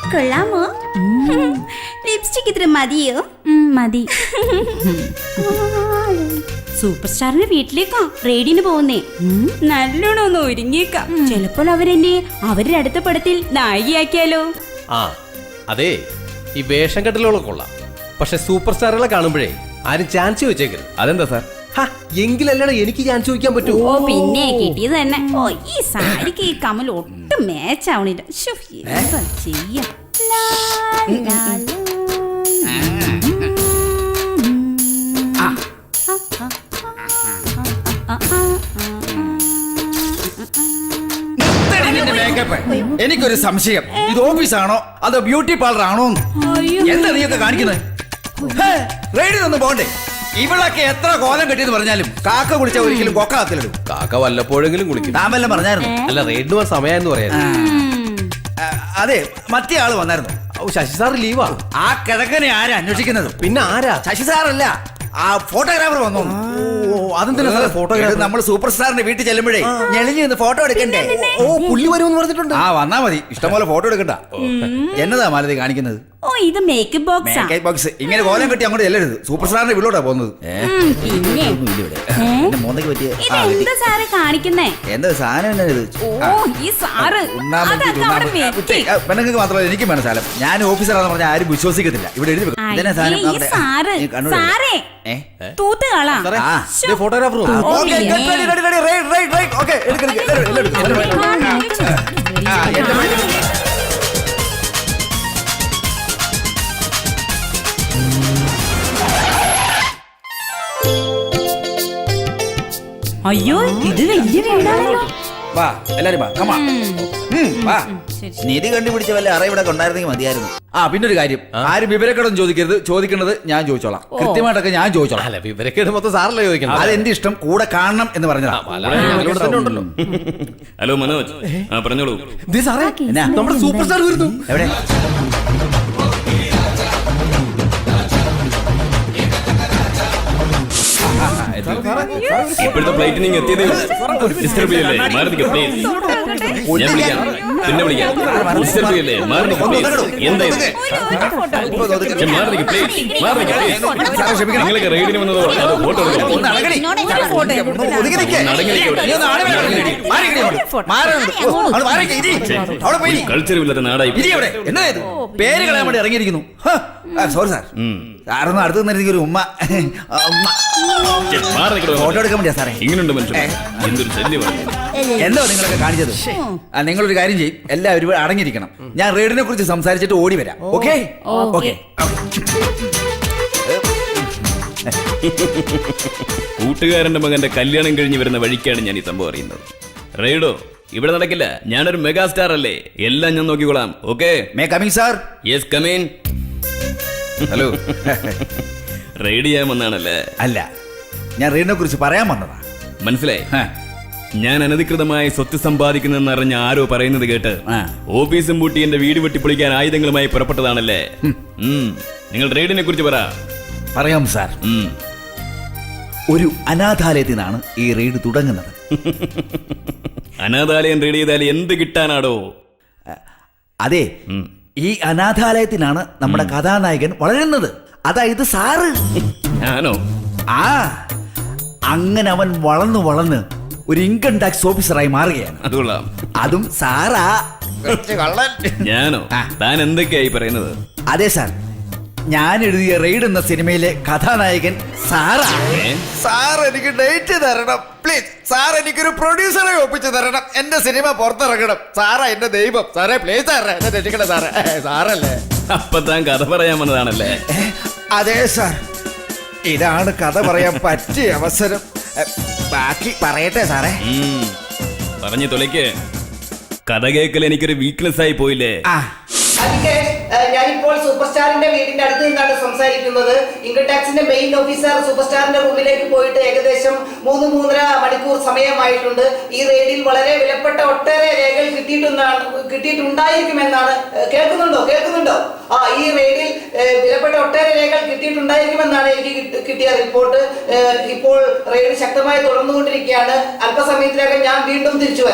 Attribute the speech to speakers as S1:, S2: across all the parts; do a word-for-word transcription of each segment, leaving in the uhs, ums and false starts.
S1: കൊള്ളാമോ? ലിപ്സ്റ്റിക് ഇത്ര മതിയോ?
S2: മതി. സൂപ്പർ സ്റ്റാറിന്റെ വീട്ടിലേക്കാ റെയ്ഡിന് പോകുന്നേ. നല്ലോണം ഒന്ന് ഒരുങ്ങിയേക്കാം. ചിലപ്പോൾ അവരെന്നെ അവരുടെ അടുത്ത പടത്തിൽ നായികയാക്കിയാലോ?
S3: ആ അതെ, ഈ വേഷം കെട്ടലുകളൊക്കെ കൊള്ളാം. പക്ഷെ സൂപ്പർ സ്റ്റാറുകളെ കാണുമ്പോഴേ ആരും ചാൻസ് ചോദിച്ചേക്കരുത്.
S4: അതെന്താ സാർ?
S3: എങ്കിലല്ലടാ എനിക്ക് ചാൻസ് ചോദിക്കാൻ പറ്റൂ.
S2: ഓ പിന്നെ കിട്ടിയത് തന്നെ. ഓ ഈ സാരിക്ക് ഈ കമൽ ഒട്ടും മാച്ച് ആവണില്ല. എന്താ ചെയ്യാ?
S4: എനിക്കൊരു സംശയം, ഇത് ഓഫീസാണോ അതോ ബ്യൂട്ടി പാർലർ ആണോ? എന്താ നീയൊക്കെ കാണിക്കുന്നത്? റെയ്ഡിനൊന്നും പോണ്ടേ? ഇവളൊക്കെ എത്ര കോലം കെട്ടിയെന്ന് പറഞ്ഞാലും കാക്ക കുളിച്ച ഒരിക്കലും കൊക്ക കത്തിലിടും.
S3: കാക്ക വല്ലപ്പോഴെങ്കിലും കുളിക്കും.
S4: താൻ വല്ലതും പറഞ്ഞായിരുന്നു?
S3: അല്ല, റെയ്ഡിന് പോകാൻ സമയമെന്ന് പറയാം.
S4: അതെ, മറ്റേ ആള് വന്നായിരുന്നു.
S3: ശശി സാർ ലീവാ.
S4: ആ കിഴക്കനെ ആരാ അന്വേഷിക്കുന്നത്?
S3: പിന്നെ ആരാ?
S4: ശശി സാറല്ല, ആ ഫോട്ടോഗ്രാഫർ വന്നു.
S3: അതെന്താ
S4: ഫോട്ടോഗ്രാഫർ? നമ്മൾ സൂപ്പർ സ്റ്റാറിന്റെ വീട്ടിൽ ചെല്ലുമ്പോഴേ ഞെളിഞ്ഞ് നിന്ന് ഫോട്ടോ എടുക്കണ്ടേ?
S3: ഓ പുള്ളി വരുമെന്ന് പറഞ്ഞിട്ടുണ്ട്.
S4: ആ വന്നാ മതി, ഇഷ്ടംപോലെ ഫോട്ടോ എടുക്കണ്ട. എന്നതാ മാലതി കാണിക്കുന്നത്?
S2: ഓ ഇത് മേക്കപ്പ് ബോക്സ്.
S4: Makeup box. ഇങ്ങനെ കോലം കെട്ടി അങ്ങോട്ട് ചെല്ലരുത്. സൂപ്പർ സ്റ്റാറിന്റെ വീട്ടിലോട്ടാ പോകുന്നത്.
S2: എന്താ സാറ് കാണിക്കുന്നേ?
S4: എന്താ സാധനം?
S2: ഓ ഈ സാറ്
S4: പെണ്ണുങ്ങൾക്ക് മാത്രമല്ല എനിക്കും വേണം സാധനം. ഞാൻ ഓഫീസറാന്ന് പറഞ്ഞാൽ ആരും വിശ്വസിക്കത്തില്ല. ഇവിടെ എഴുതി
S3: ഫോട്ടോഗ്രാഫർ.
S2: അയ്യോ ഇത് വലിയ വീടാണല്ലോ.
S4: വാ എല്ലാരും വാ, കമാ. വാ. നിധി കണ്ടുപിടിച്ച വല്ല അറ ഇവിടെ കൊണ്ടായിരുന്നെങ്കിൽ മതിയായിരുന്നു. ആ പിന്നൊരു കാര്യം, ആരും വിവരക്കേടൊന്നും ചോദിക്കരുത്. ചോദിക്കേണ്ടത് ഞാൻ ചോദിച്ചോളാം. കൃത്യമായിട്ടൊക്കെ ഞാൻ ചോദിച്ചോളാം.
S3: അല്ല, വിവരക്കേട് മൊത്തം സാറല്ലേ ചോദിക്കണം.
S4: അതെന്റെ ഇഷ്ടം. കൂടെ കാണണം എന്ന് പറഞ്ഞതാ.
S5: ഹലോ മനോജ്, ആ പറഞ്ഞോളൂ.
S3: നമ്മുടെ സൂപ്പർ സ്റ്റാർ വരുന്നു.
S4: എവിടെ?
S5: ഇപ്പോഴത്തെ ഫ്ലൈറ്റ് നിങ്ങൾ എത്തിയതേ ഡിസ്റ്റർബ് ചെയ്യല്ലേ? മാറി നിൽക്കുക പ്ലീസ്. ഞാൻ വിളിക്കാം, പിന്നെ വിളിക്കാം. ഡിസ്റ്റർബ് ചെയ്യല്ലേ? മാറി നിൽക്കുക പ്ലീസ്. എന്തായാലും മാറി നിൽക്കുക പ്ലീസ്. മാറി നിൽക്കുക പ്ലീസ്. നിങ്ങളൊക്കെ റെയ്ഡിന് വന്നതോ അതോ ഫോട്ടോ കൾച്ചറില്ലാത്ത നാടായി
S4: പേര് കളയാൻ വേണ്ടി ഇറങ്ങിയിരിക്കുന്നു. സോറി സാർ, സാറൊന്നും അടുത്ത് നിന്നിരുന്നെങ്കിൽ ഒരു ഉമ്മ ഫോട്ടോ എടുക്കാൻ വേണ്ടിയാ സാറേ.
S5: ഇങ്ങനെയുണ്ട് മനുഷ്യൻ, എന്തൊരു ശല്യമാണ്.
S4: എന്തോ നിങ്ങളൊക്കെ കാണിച്ചത്? നിങ്ങളൊരു കാര്യം ചെയ്യും, എല്ലാവരും അടങ്ങിയിരിക്കണം. ഞാൻ റെയ്ഡിനെ കുറിച്ച് സംസാരിച്ചിട്ട് ഓടി വരാം. Okay okay.
S5: കൂട്ടുകാരന്റെ മകന്റെ കല്യാണം കഴിഞ്ഞ് വരുന്ന വഴിക്കാണ് ഞാൻ ഈ സംഭവം അറിയുന്നത്. റെയ്ഡോ ഇവിടെ നടക്കില്ല. ഞാനൊരു മെഗാസ്റ്റാർ അല്ലേ, എല്ലാം ഞാൻ നോക്കിക്കോളാം. Okay
S4: may coming sir?
S5: Yes come in.
S4: Hello.
S5: Raid ചെയ്യാൻ വന്നാണല്ലേ?
S4: അല്ല, ഞാൻ റെയ്ഡിനെ കുറിച്ച് പറയാൻ വന്നതാ.
S5: മനസ്സിലായി. ഞാൻ അനധികൃതമായി സ്വത്ത് സമ്പാദിക്കുന്നെന്ന് അറിഞ്ഞ ആരോ പറയുന്നത് കേട്ട് ഓഫീസും പൂട്ടി എന്റെ വീട് വെട്ടിപ്പൊളിക്കാൻ ആയുധങ്ങളുമായി പുറപ്പെട്ടതാണല്ലേ? നിങ്ങൾ റെയ്ഡിനെ കുറിച്ച് പറ.
S4: പറയാം സാർ. ഒരു അനാഥാലയത്തിൽ നിന്നാണ് ഈ റെയ്ഡ് തുടങ്ങുന്നത്.
S5: അനാഥാലയം റെയ്ഡ് ചെയ്താൽ എന്ത് കിട്ടാനാടോ?
S4: അതെ, ഈ അനാഥാലയത്തിലാണ് നമ്മുടെ കഥാനായകൻ വളരുന്നത്. അതായത് സാറ്.
S5: ഞാനോ?
S4: ആ അങ്ങനെ അവൻ വളർന്നു വളർന്ന് ഒരു ഇൻകം ടാക്സ് ഓഫീസറായി മാറുകയാണ്.
S5: അതുകൊള്ളാം.
S4: അതും സാറാ.
S5: ഞാനോ? താൻ എന്തൊക്കെയായി പറയുന്നത്?
S4: അതെ സാർ, ഞാൻ എഴുതിയ റെയ്ഡ് എന്ന സിനിമയിലെ കഥാനായകൻ സാറാ. സാർ എനിക്ക് ഡേറ്റ് തരണം പ്ലീസ്. സാർ എനിക്കൊരു പ്രൊഡ്യൂസറെ ഒപ്പിച്ച് തരണം. എന്റെ സിനിമ പുറത്തിറങ്ങണം. സാറാ എന്റെ ദൈവം. സാറേ പ്ലീസ് സാറേ, എന്നെ രക്ഷിക്കണം സാറേ. സാറല്ലേ?
S5: അപ്പൊ താൻ കഥ പറയാൻ വന്നതാണല്ലേ?
S4: അതെ സാർ, ഇതാണ് കഥ പറയാൻ പറ്റിയ അവസരം. ബാക്കി പറയട്ടെ സാറേ?
S5: പറഞ്ഞു തൊലയ്ക്ക്. കഥ കേൾക്കൽ എനിക്കൊരു വീക്ക്നെസ് ആയി പോയില്ലേ?
S6: ഞാനിപ്പോൾ സൂപ്പർ സ്റ്റാറിന്റെ വീടിന്റെ അടുത്ത് നിന്നാണ് സംസാരിക്കുന്നത്. ഇൻകം ടാക്സിന്റെ മെയിൻ ഓഫീസർ സൂപ്പർ സ്റ്റാറിന്റെ റൂമിലേക്ക് പോയിട്ട് ഏകദേശം മൂന്ന് മൂന്നര മണിക്കൂർ സമയമായിട്ടുണ്ട്. ഈ റെയ്ഡിൽ വളരെ വിലപ്പെട്ട ഒട്ടേറെ രേഖകൾ കിട്ടിയിട്ടുണ്ടാണ് കിട്ടിയിട്ടുണ്ടായിരിക്കുമെന്നാണ്. കേൾക്കുന്നുണ്ടോ കേൾക്കുന്നുണ്ടോ ആ ഈ റെയ്ഡിൽ വിലപ്പെട്ട ഒട്ടേറെ രേഖകൾ കിട്ടിയിട്ടുണ്ടായിരിക്കുമെന്നാണ് എനിക്ക് കിട്ടിയ റിപ്പോർട്ട്. ഇപ്പോൾ റെയ്ഡ് ശക്തമായി തുടർന്നുകൊണ്ടിരിക്കുകയാണ്. അല്പസമയത്തിനകം ഞാൻ വീണ്ടും തിരിച്ചു വരാം.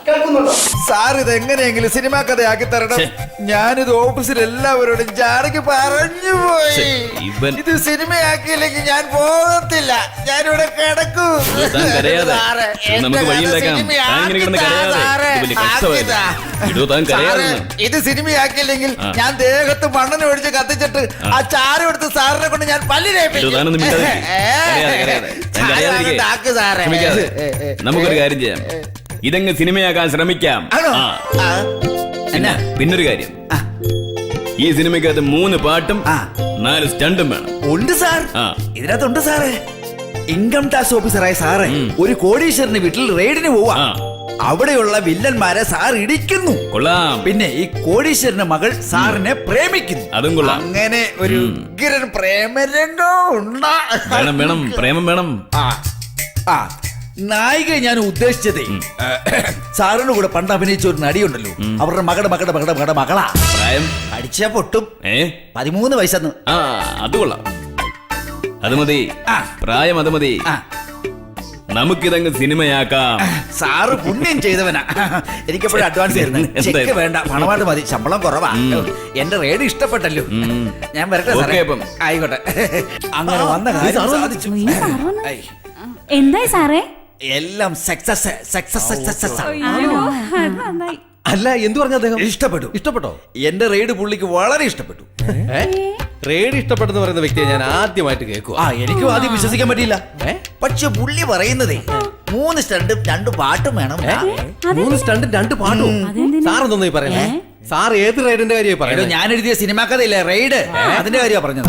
S6: കേൾക്കുന്നുണ്ടോ?
S4: സാർ ഇത് എങ്ങനെയെങ്കിലും സിനിമാ കഥയാക്കി തരണം. ഞാനിത് ഓഫീസിൽ എല്ലാവരോടും ജാടക്ക് പറഞ്ഞു പോയി.
S5: ഇവൻ-
S4: ഇത് സിനിമയാക്കിയില്ലെങ്കിൽ ഞാൻ പോകത്തില്ല. ഞാനിവിടെ കിടക്കൂ.
S5: താൻ കരയാതെ.
S4: സാറേ,
S5: നമുക്ക്
S4: എന്റെ
S5: വഴിയുണ്ടാക്കാം.
S4: കഥ
S5: താൻ ഇങ്ങനെ കിടന്ന്
S4: സിനിമയാക്കി താ,
S5: കരയാതെ.
S4: സാറേ.
S5: ഇത് വലിയ കഷ്ടമായിരുന്നു.
S4: ആക്കി താ.
S5: ഇടൂ, താൻ കരയാതെ.
S4: സാറേ, ഇത് സിനിമയാക്കിയില്ലെങ്കിൽ
S5: ആ.
S4: ഞാൻ ദേഹത്ത് മണ്ണെണ്ണ ഒഴിച്ച് കത്തിച്ചിട്ട് ആ ചാരം എടുത്ത് സാറിനെ കൊണ്ട് ഞാൻ പല്ലിനേപ്പിക്കും.
S5: ഇടൂ, താനൊന്നും മിണ്ടാതിരിക്ക്. കരയാതെ, കരയാതെ. താൻ കരയാതിരിക്ക്.
S4: താക്ക് സാറേ.
S5: ക്ഷമിക്കാതെ.
S4: ഏ, ഏ, ഏ.
S5: നമുക്കൊരു കാര്യം ചെയ്യാം. ഇതങ്ങ് സിനിമയാക്കാൻ ശ്രമിക്കാം.
S4: ആണോ?
S5: ആ.
S4: ആ.
S5: പിന്നെ പിന്നൊരു കാര്യം,
S4: ആ.
S5: ഈ സിനിമയ്ക്കകത്ത് മൂന്ന് പാട്ടും
S4: ആ.
S5: നാല് സ്റ്റണ്ടും വേണം.
S4: ഉണ്ട് സാർ,
S5: ആ.
S4: ഇതിനകത്തുണ്ട് സാറേ. ഇൻകം ടാക്സ് ഓഫീസറായ സാറ്
S5: ഉം.
S4: ഒരു കോടീശ്വരന് വീട്ടിൽ റെയ്ഡിന് പോവാ.
S5: ആ.
S4: അവിടെയുള്ള വില്ലന്മാരെ സാർ ഇടിക്കുന്നു.
S5: കൊള്ളാം.
S4: പിന്നെ ഈ കോടീശ്വരന്റെ മകൾ സാറിനെ പ്രേമിക്കുന്നു.
S5: അതും കൊള്ളാം.
S4: അങ്ങനെ ഒരു ഉഗ്രൻ പ്രേമരംഗം ഉണ്ടാ.
S5: വേണം വേണം പ്രേമം വേണം.
S4: ആ. ആ. നായിക ഞാൻ ഉദ്ദേശിച്ചതേ സാറിന്റെ കൂടെ പണ്ട് അഭിനയിച്ച ഒരു നടിയുണ്ടല്ലോ, അവരുടെ മകളുടെ മകളുടെ മകളുടെ മകളുടെ മകളാ.
S5: പ്രായം
S4: അടിച്ച പൊട്ടും.
S5: ഏ
S4: പതിമൂന്ന് വയസ്സെന്ന്.
S5: ആ അത് കൊള്ളാം. അത് മതി.
S4: ആ.
S5: പ്രായം അത് മതി.
S4: ആ.
S5: നമുക്കിതങ്ങ് സിനിമയാക്കാം.
S4: സാറ് പുണ്യം ചെയ്തവനാ. എനിക്കെപ്പോഴും അഡ്വാൻസ് തരുന്നു. ചെക്ക്
S5: എന്തായാലും.
S4: വേണ്ട, പണമായിട്ട് മതി. ശമ്പളം കുറവാ.
S5: ഉം.
S4: എന്റെ റേഡ് ഇഷ്ടപ്പെട്ടല്ലോ.
S5: ഉം.
S4: ഞാൻ വരട്ടെ
S5: ഓക്കേ
S4: സാറേ.
S5: അപ്പം.
S4: ആയിക്കോട്ടെ. അങ്ങനെ വന്ന കാര്യം സാധിച്ചു. ഐ,
S2: എന്തായി സാറേ?
S4: എല്ലാം സക്സസ് സക്സസ് സക്സസ്.
S2: അയ്യോ, അത് നന്നായി.
S3: അല്ല എന്തു പറഞ്ഞു അദ്ദേഹം?
S4: ഇഷ്ടപ്പെട്ടു.
S3: ഇഷ്ടപ്പെട്ടോ?
S4: എന്റെ റെയ്ഡ് പുള്ളിക്ക് വളരെ ഇഷ്ടപ്പെട്ടു.
S3: ഏ? റേഡി ഇഷ്ടപ്പെടുന്ന പറയുന്ന വ്യക്തിയെ ഞാൻ ആദ്യമായിട്ട് കേൾക്കുക.
S4: ആ, എനിക്കും ആദ്യം വിശ്വസിക്കാൻ പറ്റിയില്ല. പക്ഷെ പുള്ളി പറയുന്നതേ മൂന്ന് സ്റ്റണ്ടും രണ്ട് പാട്ടും വേണം.
S3: മൂന്ന് സ്റ്റണ്ടും രണ്ട് പാട്ടും. സാർ എന്തോന്നാ ഈ പറയുന്നേ? സാർ ഏത് റൈഡിന്റെ കാര്യമായി
S4: എടോ,
S3: പറയുന്നത്?
S4: ഞാൻ എഴുതിയ സിനിമാ കഥയില്ലേ റെയ്ഡ്, അതിന്റെ കാര്യമാണ് പറഞ്ഞത്.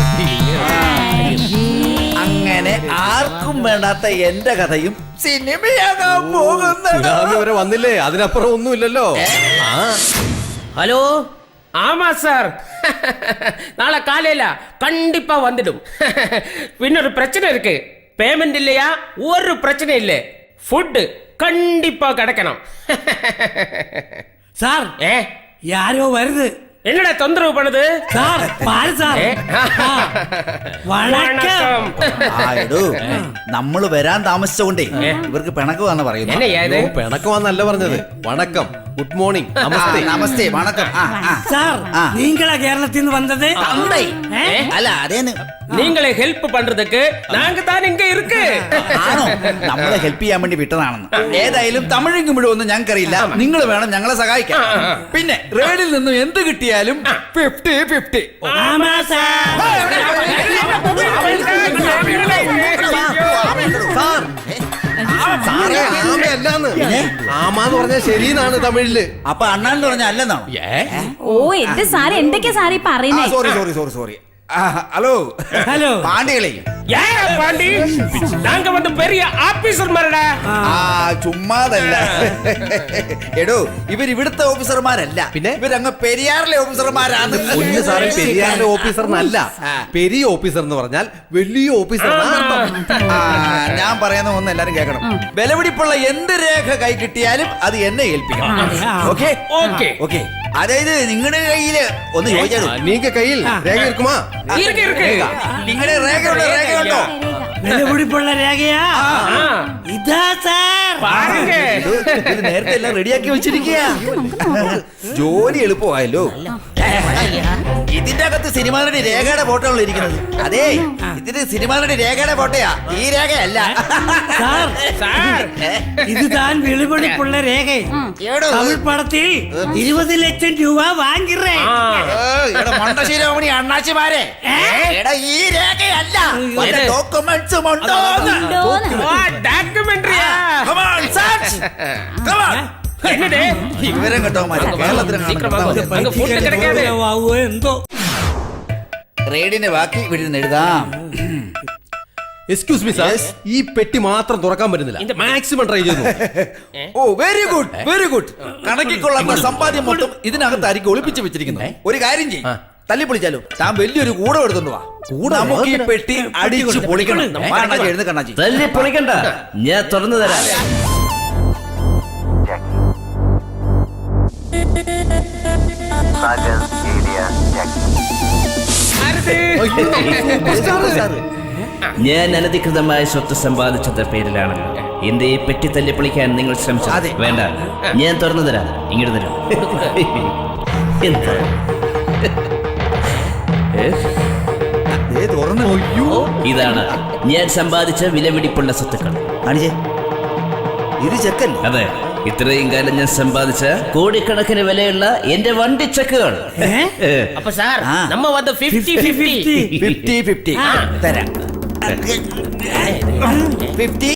S4: അങ്ങനെ ആർക്കും വേണ്ടാത്ത എന്റെ കഥയും സിനിമയാകാൻ പോകുന്നത്.
S3: സുനാമി വരെ വന്നില്ലേ, അതിനപ്പുറം ഒന്നുമില്ലല്ലോ. ആ
S7: ஹலோ ஆமா சார் நாளை காலையில கண்டிப்பா வந்துடும் இன்னொரு பிரச்சனை இருக்கு பேமெண்ட் இல்லையா ஒரு பிரச்சனை இல்லை ஃபுட் கண்டிப்பா கிடைக்கணும்
S8: சார்
S7: ஏ
S8: யாரோ வருது
S7: என்னடா தொந்தரவு பண்ணுது
S8: சார் பாரு சார்
S7: ഏ?
S8: വണക്കം.
S4: ആ, എടോ, നമ്മള് വരാൻ താമസിച്ചുകൊണ്ടേ ഇവർക്ക് പിണക്കുവാന്ന് പറയുന്നു.
S7: என்னய்யா இது
S3: ഓ, പിണക്കമാന്നല്ല പറഞ്ഞത്. വണക്കം, ഗുഡ് മോർണിംഗ്,
S4: ആ,
S3: നമസ്തേ.
S4: നമസ്തേ, വണക്കം. ആ, ആ.
S8: சார்
S4: ആ.
S8: நீங்களா கேரளத்தில் இருந்து வந்தது
S4: തന്തേ.
S8: ഏ?
S4: അല്ല, അതേന്ന്.
S7: நீங்களே ஹெல்ப் பண்றதுக்கு நாங்க தான் இங்க இருக்கு
S4: ആണോ? നമ്മളെ ഹെൽപ്പ് ചെയ്യാൻ വേണ്ടി വിട്ടതാണെന്ന്. ഏതായാലും തമിഴും മുഴുവൊന്നും ഞങ്ങൾക്കറിയില്ല. നിങ്ങൾ വേണം ഞങ്ങളെ സഹായിക്കാൻ. പിന്നെ റേഡിൽ നിന്നും എന്ത് കിട്ടിയാലും ഫിഫ്റ്റി ഫിഫ്റ്റി.
S8: ஆமா சார்
S3: സാറേ, ആമയല്ലാന്ന്. ആമാന്ന് പറഞ്ഞാൽ ശരിയെന്നാണ് തമിഴില്.
S4: അപ്പൊ അണ്ണാന്ന് പറഞ്ഞ അല്ലെന്നാണോ?
S3: ഏ?
S2: ഓ എന്റെ സാറ് എന്തൊക്കെയാ സാറേ പറയുന്നേ?
S4: Sorry sorry sorry sorry. Hello
S8: hello
S4: പാണ്ടികളെ.
S7: யாரா பாண்டி நாங்க வந்து பெரிய ஆபீசர் மாதிரிடா
S4: ആ, ചുമ്മാതല്ല. എടോ, ഇവർ ഇവിടുത്തെ ഓഫീസർമാരല്ല.
S3: പിന്നെ?
S4: ഇവരങ്ങ് പെരിയാറിലെ ഓഫീസർമാരാണ്.
S3: ഒന്ന് സാറേ, പെരിയാറിന്റെ ഓഫീസറിനല്ല,
S4: ആ.
S3: പെരിയ ഓഫീസർ എന്ന് പറഞ്ഞാൽ വലിയ ഓഫീസർ.
S4: ആ, ഞാൻ പറയുന്ന ഒന്ന് എല്ലാരും കേൾക്കണം. വിലപിടിപ്പുള്ള എന്ത് രേഖ കൈ കിട്ടിയാലും അത് എന്നെ ഏൽപ്പിക്കണം. Okay
S7: okay
S4: okay. അതായത് നിങ്ങളുടെ കയ്യില് ഒന്ന് ചോദിച്ചാലോ?
S3: നീങ്ക കയ്യിൽ രേഖ ഇരിക്കുമാ?
S7: இருக்கு இருக்கு
S4: നിങ്ങളുടെ രേഖയുണ്ടോ? രേഖയുണ്ടോ?
S8: വിലപിടിപ്പുള്ള രേഖയാ
S7: ஆ,
S8: ഇതാ സാർ
S7: பாருங்க
S4: ഇത് ഇത് നേരത്തെ എല്ലാം റെഡിയാക്കി വെച്ചിരിക്കുക. ജോലി എളുപ്പമായല്ലോ. ഇതിന്റെ അകത്ത് സിനിമാരുടെ രേഖയുടെ ഫോട്ടോകൾ ഇരിക്കുന്നത്. അതെ, ഇതിന് സിനിമാരുടെ രേഖയുടെ ഫോട്ടോയാ, ഈ രേഖയല്ല.
S8: സാർ
S7: சார்
S8: இதுதான் വിലപിടിപ്പുള്ള രേഖ
S4: ഏടോ,
S8: തമിഴ് പടത്തിൽ ഇരുപത് ലക്ഷം രൂപ വാങ്ങിറേ
S7: ஆ,
S4: ഇവിടെ മണ്ടശീലോമണി അണ്ണാച്ചിമാരെ, എടാ ഈ രേഖയല്ല, വല്ല ഡോക്യുമെന്റ്സും ഉണ്ടോന്ന്?
S7: ஓ டாக்குமெண்ட்ரியா
S4: Come on, search. Come on.
S7: என்னடே
S4: വിവരം കേട്ടോമാര്
S7: சீக்கிரம் வாங்க. அங்க food கிடைக்காது
S8: ആവോ എന്തോ
S4: റേഡിന്റെ ബാക്കി ഇവിടെ നിന്ന് എഴുതാം.
S3: എക്സ്ക്യൂസ് മീ സാർ, ഈ പെട്ടി മാത്രം തുറക്കാൻ പറ്റുന്നില്ല.
S7: இந்த-
S3: മാക്സിമം ട്രൈ ചെയ്തു.
S4: ഓ, വെരി ഗുഡ് വെരി ഗുഡ്. കണക്കിക്കൊള്ളാത്ത സമ്പാദ്യം മൊത്തം ഇതിനകത്തായിരിക്കും ഒളിപ്പിച്ച് വെച്ചിരിക്കുന്നത്. ഒരു കാര്യം ചെയ്യും, തല്ലി പൊളിച്ചാലോ. താൻ വലിയൊരു കൂടെ എടുത്തോണ്ട് വാ. നമുക്ക് ഈ പെട്ടി അടിച്ചു പൊളിക്കണം. വാ, അണ്ണാച്ചി, എഴുന്ന് കണ്ണാച്ചി.
S5: തല്ലി പൊളിക്കണ്ട, ഞാൻ തുറന്നു തരാം. ഞാൻ അനധികൃതമായ സ്വത്ത് സമ്പാദിച്ചത് പേരിലാണല്ലോ എന്റെ ഈ പെട്ടി തല്ലി പൊളിക്കാൻ നിങ്ങൾ ശ്രമിച്ചു.
S4: അതെ.
S5: വേണ്ട, ഞാൻ തുറന്നു തരാം. ഇങ്ങോട്ട് തരാം. എന്താ?
S4: ദേ തുറന്ന് അയ്യോ.
S5: ഇതാണ് ഞാൻ സമ്പാദിച്ച വിലപിടിപ്പുള്ള സ്വത്തുക്കൾ.
S4: അണിജെ ഇത് ചെക്കല്ലേ?
S5: അതെ, ഇത്രയും കാലം ഞാൻ സമ്പാദിച്ച കോടിക്കണക്കിന് വിലയുള്ള എന്റെ വണ്ടി ചെക്കുകൾ.
S7: அப்ப சார்
S4: ஆ.
S7: நம்ம வந்து fifty fifty
S4: ഫിഫ്റ്റി ഫിഫ്റ്റി തരാം ഫിഫ്റ്റി